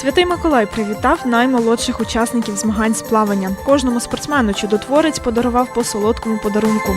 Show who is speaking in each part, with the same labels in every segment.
Speaker 1: Святий Миколай привітав наймолодших учасників змагань з плавання. Кожному спортсмену чудотворець подарував по солодкому подарунку.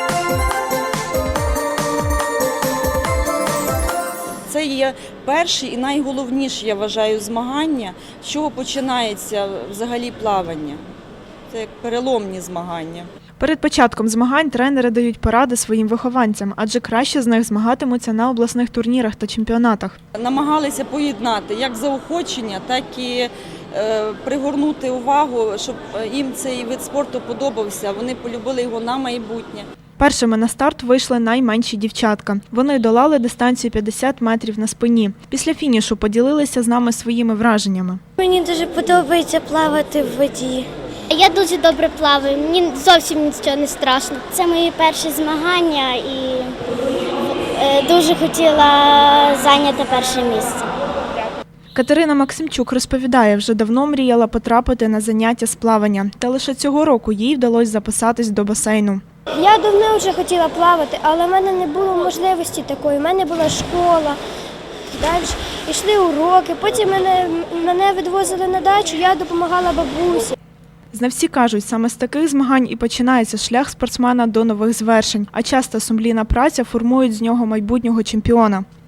Speaker 2: Це є перші і найголовніші, я вважаю, змагання, з чого починається взагалі плавання. Це як переломні змагання.
Speaker 1: Перед початком змагань тренери дають поради своїм вихованцям, адже краще з них змагатимуться на обласних турнірах та чемпіонатах.
Speaker 2: Намагалися поєднати як заохочення, так і пригорнути увагу, щоб їм цей вид спорту подобався, вони полюбили його на майбутнє.
Speaker 1: Першими на старт вийшли найменші дівчатка. Вони долали дистанцію 50 метрів на спині. Після фінішу поділилися з нами своїми враженнями.
Speaker 3: Мені дуже подобається плавати в воді. Я дуже добре плаваю, мені зовсім нічого не страшно. Це мої перші змагання і дуже хотіла зайняти перше місце.
Speaker 1: Катерина Максимчук розповідає, вже давно мріяла потрапити на заняття з плавання. Та лише цього року їй вдалося записатись до басейну.
Speaker 3: Я давно вже хотіла плавати, але в мене не було можливості такої. У мене була школа, далі йшли уроки, потім мене відвозили на дачу, я допомагала бабусі.
Speaker 1: Знавці кажуть, саме з таких змагань і починається шлях спортсмена до нових звершень, а часто сумлінна праця формують з нього майбутнього чемпіона.